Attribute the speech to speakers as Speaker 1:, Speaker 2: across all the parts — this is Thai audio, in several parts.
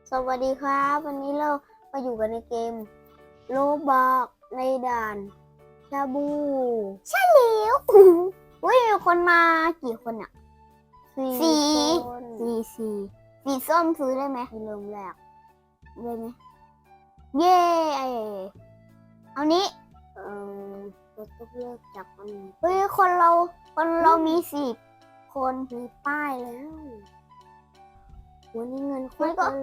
Speaker 1: สวัสดีครับวันนี้เรามาอยู่กันในเกมโลบอกในด่านชาบูใช่แล้วอุ้ยมีคนมากี่คนอ่ะสี่คนสีส้มซื้อได้ไหมเริ่มแรกได้ไหมเย้เอานี้เราต้องเลือกจากอันนี้เฮ้ยคนเรามี4 คนมีป้ายแล้ววันนี้เงินโคตรเลย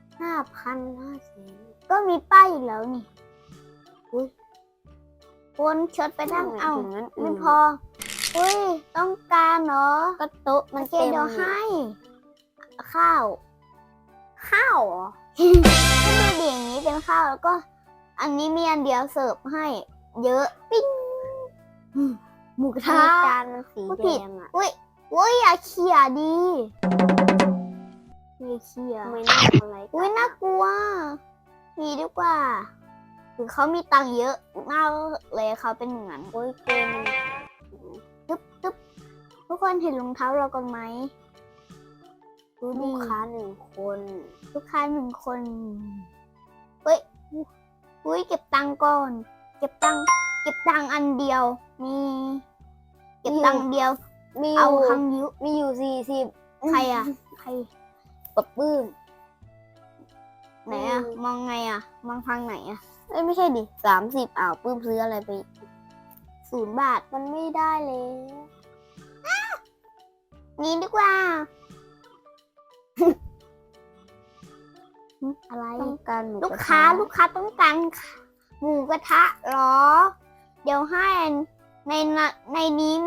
Speaker 1: 5,500ก็มีป้ายอีกแล้วนี่อุ้ยคนชดไปนั่งเอาไม่พออุ้ยต้องการเหรอก็โต๊ะมันเต็มเดี๋ยวให้ข้าวเหรอ ก็ดูดิอย่างนี้เป็นข้าวแล้วก็ อันนี้มีอันเดียวเสิร์ฟให้ เยอะปิ้งหมูกระทะจานมันสีแดงอ่ะอุ้ยอย่าเขี่ยดีไม่เขี่ยไม่น่าอะไรอุ้ยน่ากลัวมีดีกว่าหรือเขามีตังค์เยอะมากเลยเขาเป็นอย่างนั้นโอ้ยเกมตึ๊บทุกคนเห็นรองเท้าเรากันไหมลูกค้า1 คนลูกค้า1 คนเฮ้ยอุ้ยเก็บตังค์ก่อนเก็บตังค์อันเดียวมีเก็บตังค์เดียวเอาคังยุมีอยู่40ใครอ่ะใครปบปื้มไหนอ่ะมองไงอ่ะมองทางไหนอ่ะไม่ใช่ดิ30ปื้มซื้ออะไรไป0 บาทมันไม่ได้เลยนี่ดีกว่า อะไรต้องการลูกค้าต้องการหมูกระทะหรอเดี๋ยวให้ใน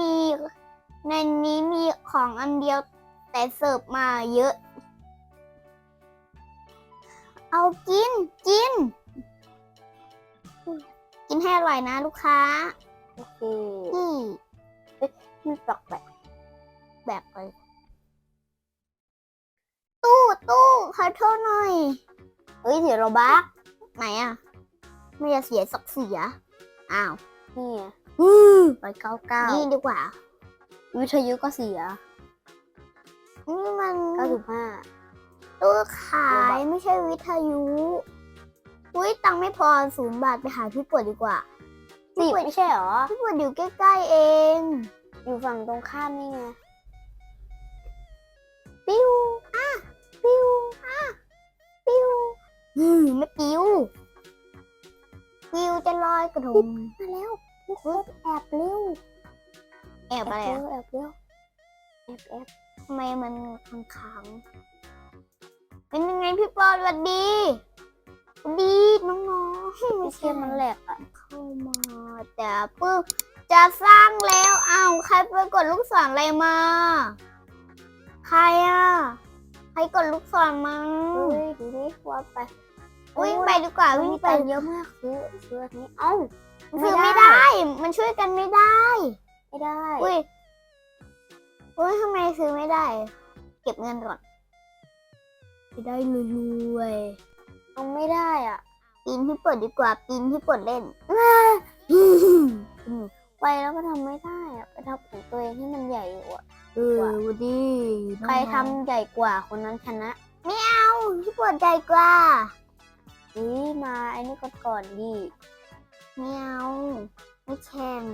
Speaker 1: นี้มีของอันเดียวแต่เสิร์ฟมาเยอะเอากินให้อร่อยนะลูกค้าโอเคนี่ตอกแบบเลยตู้ขอโทษหน่อยเฮ้ยเสียโรบักไหนอ่ะไม่จะเสียสักเสียอ้าวนี่199นี่ดีกว่าวิทยุก็เสียนี่มัน95ตู้ขายไม่ใช่วิทยุอุ้ยตังค์ไม่พอ0 บาทไปหาพี่ปวดดีกว่า10ไม่ใช่หรอพี่ปวดอยู่ใกล้ๆเองอยู่ฝั่งตรงข้ามนี่ไงปิ้วไม่ปิ้วจะลอยกระทงมาแล้วทุกคนแอบเร็วแอบอะไรแอบทำไมมันค้างเป็นยังไงพี่ปอสวัสดีน้องๆไม่ใช่มันแหลกอ่ะเข้ามาแต่ปึ๊บจะสร้างแล้วใครไปกดลูกศรอะไรมาใครอ่ะใครกดลูกศรมาดูดิว่าไปวิ่งไปดีกว่าวิ่งไปเยอะมากซื้ออันนี้ซื้อไม่ได้มันช่วยกันไม่ได้อุ้ยทำไมซื้อไม่ได้เก็บเงินก่อนไม่ได้รวยเอาไม่ได้อ่ะปีนที่เปิดดีกว่าปีนที่เปิดเล่นไปแล้วก็ทำไม่ได้อ่ะไปทำของตัวเองให้มันใหญ่กว่าวันดีใครทำใหญ่กว่าคนนั้นชนะไม่เอาที่เปิดใหญ่กว่ามาไอ้นี่ก่อนดิไม่เอาไม่แข่ง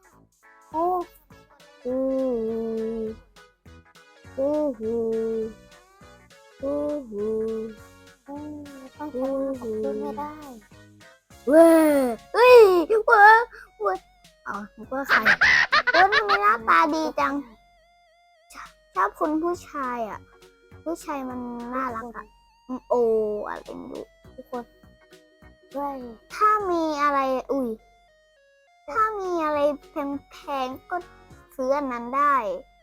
Speaker 1: ต้องชนะขึ้นไม่ได้เว้ยนึกว่าใครทำไมหน้าตาดีจังชอบคุณผู้ชายอ่ะผู้ชายมันน่ารักอ่ะอะไรไม่รู้ทุกคนถ้ามีอะไรถ้ามีอะไรแพงๆก็ซื้ออันนั้นได้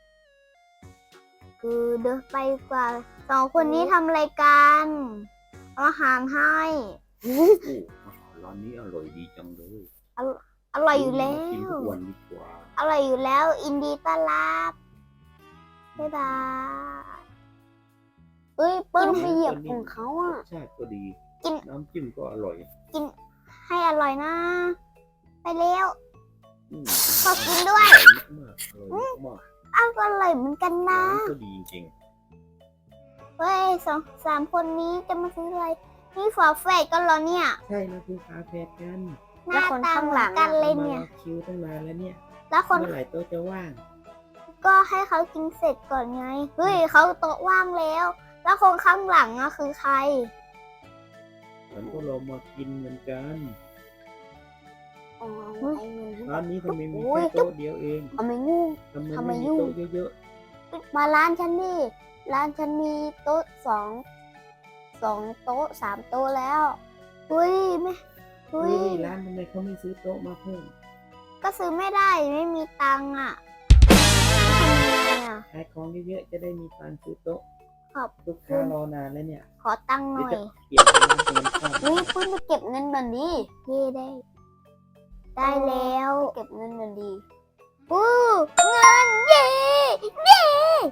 Speaker 1: เดินไปกว่า2 คนนี้ทำอะไรกันเอาอาหารให้
Speaker 2: ร้านนี้อร่อยดีจังเลย
Speaker 1: อร่อยอยู่แล้ว
Speaker 2: กินทุกวันดีกว่า
Speaker 1: อร่อยอยู่แล้วอินดีต้อนรับบ๊ายบายเปิ้ลไปเหยียบของเขาอ่ะ
Speaker 2: ใช่ก็ดีน้ำจิ้มก็อร่อย
Speaker 1: กินให้อร่อยนะไปเร็วขอกินด้วย
Speaker 2: อร่อยมาก
Speaker 1: ก็อร่อยเหมือนกันนะ
Speaker 2: ก็ดีจริง
Speaker 1: ไปเฮ้ย3 คนนี้จะมาซื้ออะไรนี่ฝาแฝดกันเหรอเนี่ย
Speaker 3: ใช่เราคือฝาแฝดกัน
Speaker 1: หน้าตาเหมือนกันเลยเนี่ย
Speaker 3: มารอคิวตั้งนานแล้วเนี่ย
Speaker 1: แล้วคน
Speaker 3: เมื่อไหร่โต๊ะจะว่าง
Speaker 1: ก็ให้เขากินเสร็จก่อนไงเฮ้ยเขาโต๊ะว่างแล้ว แล้วคนข้างหลังอะคือใคร
Speaker 3: ฉันก็รอมากินเหมือนกัน
Speaker 1: อ๋อ
Speaker 3: ร้านนี้ทำไมมี
Speaker 1: โอ้ย
Speaker 3: แค่โต๊ะเดียวเอง
Speaker 1: ทำไมงู
Speaker 3: ทำไม
Speaker 1: ทำไม
Speaker 3: ไม่มี
Speaker 1: ยุ่ง
Speaker 3: โต๊ะเยอะ
Speaker 1: มาร้านฉันนี่ร้านฉันมีโต๊ะสองโต๊ะ3 โต๊ะแล้วเฮ้ยไม่
Speaker 3: ๆ
Speaker 1: เฮ้
Speaker 3: เฮ้
Speaker 1: ย
Speaker 3: ยร้านทำไมเขาไม่ซื้อโต๊ะมาเพิ่ม
Speaker 1: ก็ซื้อไม่ได้ไม่มีตังค์อ่ะทำยังไงอ่ะ
Speaker 3: ขายของเยอะๆจะได้มีตังค์ซื้อโต๊ะ
Speaker 1: ขอบ
Speaker 3: ลูกค้ารอนานแล้วเนี่ย
Speaker 1: ขอตังค์ห
Speaker 3: เดี๋
Speaker 1: น่
Speaker 3: ยว
Speaker 1: อย
Speaker 3: จะเปลี่ยนเป็นร้านเงินเข้า
Speaker 1: เฮ้ยเพิ่งไปเก็บเงินบันดีเย่ได้ ได้แล้วเก็บเงินบันดีอู้เงินเย่เย่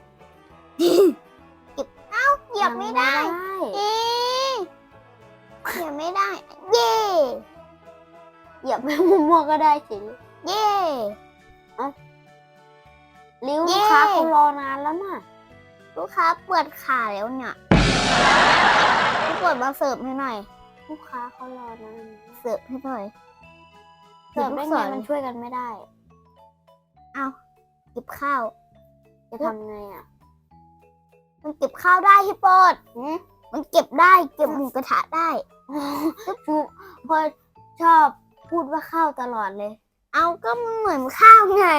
Speaker 1: เก็บเอ้าเหยียบไม่ได้เอ๊ะเหยียบไม่ได้ เย่เหยียบไม่มั่วๆก็ได้สิเย่ลิ้วลูกค้าเขารอนานแล้วน่ะลูกค้าเปิดขาแล้วเนี่ยพี่เปิดมาเสิร์ฟให้หน่อย ลูกค้าเขารอนานเสิร์ฟให้หน่อย เสิร์ฟได้ไงมันช่วยกันไม่ได้ เอาเก็บข้าว จะทำไงอ่ะ มันเก็บข้าวได้พี่โปดมันเก็บได้ เก็บหมูกระทะได้พอชอบพูดว่าข้าวตลอดเลย เอาก็มันเหมือนข้าวไง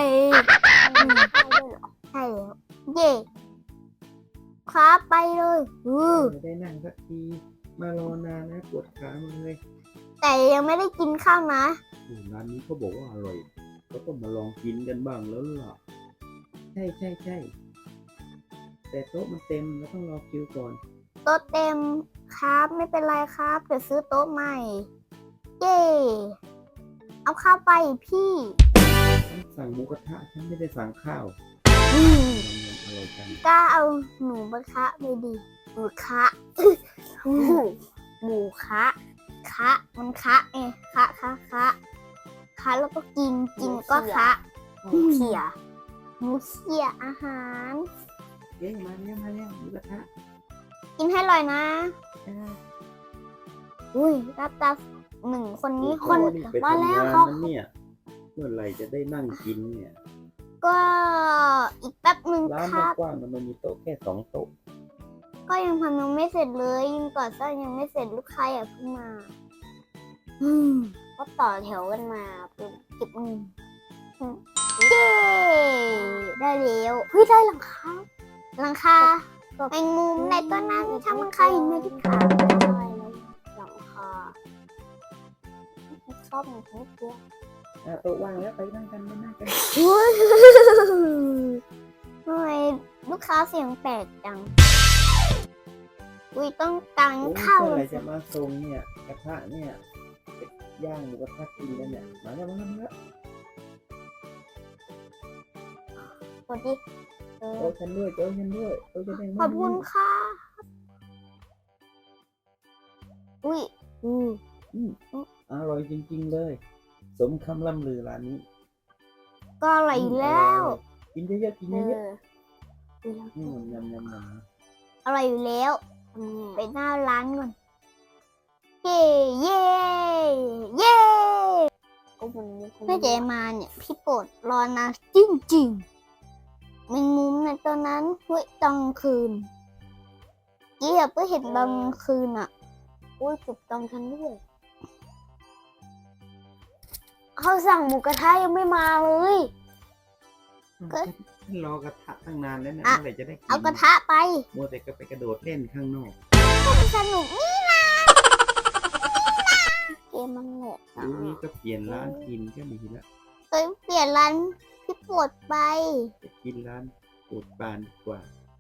Speaker 1: ใช่แล้ว เย่คว้าไปเลย
Speaker 3: ไม่ได้นั่งสักที มารอนานนะปวดขาหมันเลย
Speaker 1: แต่ยังไม่ได้กินข้าวนะ
Speaker 2: ร้านนี้เขาบอกว่าอร่อย ก็ต้องมาลองกินกันบ้างแล้วล่ะ
Speaker 3: ใช่แต่โต๊ะมันเต็มเราต้องรอคิวก่อน
Speaker 1: โต๊ะเต็มครับไม่เป็นไรครับเดี๋ยวซื้อโต๊ะใหม่ เย่เอาข้าวไปพี่
Speaker 3: ฉันสั่งหมูกระทะฉันไม่ได้สั่งข้าว
Speaker 2: อร่อยจัง
Speaker 1: กล้าเอาหมูกระทะไปดิหมูคะหมูคะมันคะเองคะแล้วก็กินก็คะหมูเขี่ยอาหาร
Speaker 3: เอ๊ะมาแล้วหมูกระทะ
Speaker 1: กินให้อร่อยนะ
Speaker 3: อ่า
Speaker 1: อุ้ยรับตา1 คนนี้คน
Speaker 2: ไป
Speaker 1: มา
Speaker 2: ทำ
Speaker 1: แล้ว
Speaker 2: งาน
Speaker 1: เขา
Speaker 2: นั้นเนี่ยเมื่อไหร่จะได้นั่งกินเนี่ย
Speaker 1: ก็อีกแป๊บหนึ่ง
Speaker 2: ร้าน
Speaker 1: ครับ
Speaker 2: กว้างๆมันมีโต๊ะแค่2 โต๊ะ
Speaker 1: ก็ยังทำยังไม่เสร็จเลยยังก่อสร้างยังไม่เสร็จลูกค้าอย่าเพิ่งมาก็ต่อแถวกันมาเป็นเก็บเงินเย้ได้แล้วเฮ้ยได้หลังคาแมงมุมในต้นนั้นถ้ามันใครเห็นไหมที่ขาได้แล้วหลังคาชอบมันทุกตัว
Speaker 3: โต๊ะว่างแล้วไปนั่งกัน
Speaker 1: อุ้ยทำไมลูกค้าเสียงแปลกจังอุ้ยต้องตัง
Speaker 3: โอ้ย
Speaker 1: เข้า
Speaker 3: เมื่อไหร่จะมาส่งเนี่ยกระทะเนี่ยย่างหมูกระทะกินแล้วเนี่ยมาแล้ว
Speaker 1: กดดิ
Speaker 3: โต๊ะฉันด้วยโต๊ะจะได้
Speaker 1: ขอบคุณค่ะ อุ้ย
Speaker 3: อร่อยจริงๆเลย สมคำล่ำลือร้านนี้
Speaker 1: ก็อร่อยอยู่แล้ว
Speaker 3: กินเยอะๆกินเยอะ
Speaker 1: อ
Speaker 3: ๆยำ
Speaker 1: อร่อยอยู่แล้ว ไปหน้าร้านก่อน เย่เย่เย่ไม่ใจมาเนี่ย พี่โปรดรอนานจริงๆแมงมุมในตอนนั้นเฮ้ยตอนคืนเกี่ยเพิ่งเห็นตอนคืนอ่ะอุ้ยจุดตอนคันด้วยเขาสั่งหมูกระทะยังไม่มาเลย ก็
Speaker 3: ฉันรอกระทะตั้งนานแล้วนะ
Speaker 1: อ่ะ
Speaker 3: เมื่อไหร่จะได้กิน
Speaker 1: เอากระทะไป
Speaker 3: มัวแต่ก็ไปกระโดดเล่นข้างนอก
Speaker 1: สนุกนี่นะเกมมันแหละ
Speaker 3: เดี๋ยวนี้ก็เปลี่ยนร้านกินก็มีแล้ว
Speaker 1: เอ้ยเปลี่ยนร้านพี่โปรดไป
Speaker 3: จะกินร้านปูดปานดีกว่า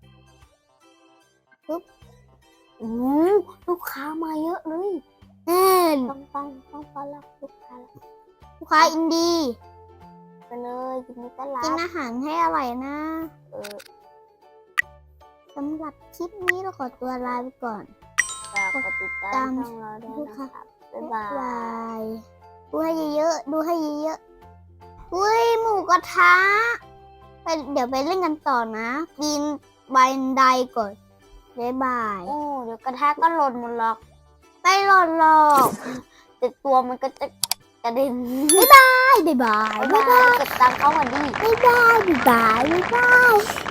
Speaker 1: ลูกค้ามาเยอะเลยต้องต้อนรับลูกค้าอินดี้ไปเลยยินดีต้อนรับกินอาหารให้อร่อยนะสำหรับคลิปนี้เราขอตัวลาไปก่อนกดติดตามช่องเราด้วยนะครับบ๊ายบายดูให้เยอะๆอุ้ยหมูกระทะเดี๋ยวไปเล่นกันต่อนะปีนบันไดก่อนบ๊ายบายโอ้เดี๋ยวกระทะก็หล่นหมดหรอกไม่หล่นหรอกแต่ตัวมันก็จะกระเด็นบ๊ายบายบ๊ายบายบ๊ายบายเก็บตังค์เขาก่อนดิบ๊ายบายบ๊ายบายบ๊ายบาย